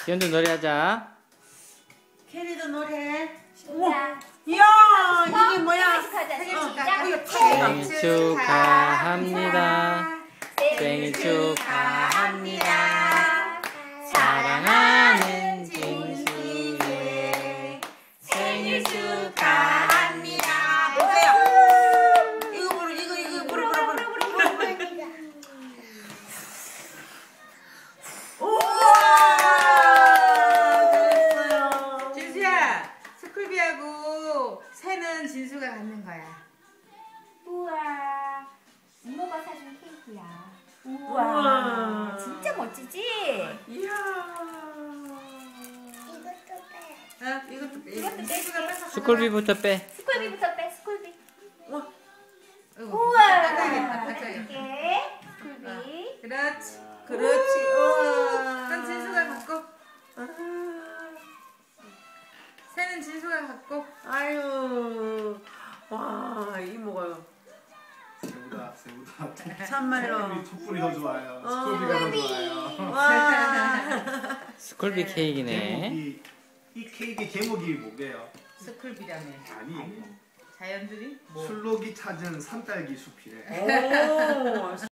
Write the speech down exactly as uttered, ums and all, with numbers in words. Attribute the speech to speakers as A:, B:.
A: 지연도 노래하자.
B: 캐리도 노래.
C: 우와.
B: 이야, 이게 뭐야?
C: 생일
A: 생일 축하합니다. 생일 축하합니다. 사랑하는 진수의 생일 축하합니다.
B: 보세요. 이거 부르, 이거 이거 부르, 부르, 부르, 부르, 부르. 우와, 잘했어요.
D: 진수야, 스쿨비하고 새는 진수가 갖는 거야.
C: 우와. 이모가 사준 케이크야.
B: 우와.
C: 우와. 진짜 멋지지?
B: 이야.
D: 어, 이것도 빼.
C: 이것도
D: 진수가
C: 뺄게.
D: 뺏어.
A: 스쿨비부터 빼.
C: 스쿨비부터 빼, 스쿨비.
B: 우와.
C: 우와.
D: 닦아야겠다, 닦아야겠다.
C: 이렇게 스쿨비.
D: 그렇지.
B: 그렇지. 우와.
D: 그럼 진수가 갖고. 새는 진수가 갖고.
B: 아유. 와, 이모가
E: 새우다, 새우다.
B: 참말로.
E: 촛불이 더 좋아요.
B: 어.
E: 스쿨비가 더 좋아요.
B: 와.
A: 스쿨비 케이크네.
E: 제목이, 이 케이크 제목이 뭐게요?
D: 스쿨비라며.
E: 아니,
D: 자연들이 뭐.
E: 술록이 찾은 산딸기 숲이래.
B: 오.